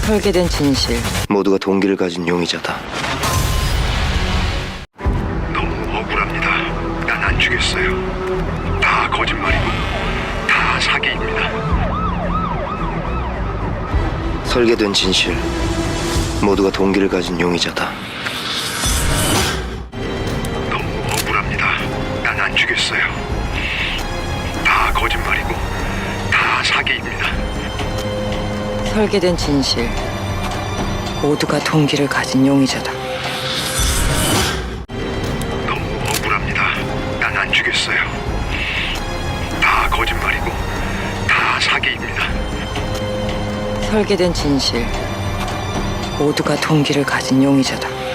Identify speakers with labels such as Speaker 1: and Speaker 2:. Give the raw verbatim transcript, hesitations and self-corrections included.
Speaker 1: 설계된 진실.
Speaker 2: 모두가 동기를 가진 용의자다.
Speaker 3: 너무 억울합니다. 난 안 죽였어요. 다 거짓말이고 다 사기입니다.
Speaker 2: 설계된 진실. 모두가 동기를 가진 용의자다.
Speaker 3: 너무 억울합니다. 난 안 죽였어요. 다 거짓말이고 다 사기입니다.
Speaker 1: 설계된 진실. 모두가 동기를 가진 용의자다.
Speaker 3: 너무 억울합니다. 난 안 죽였어요. 다 거짓말이고 다 사기입니다.
Speaker 1: 설계된 진실. 모두가 동기를 가진 용의자다.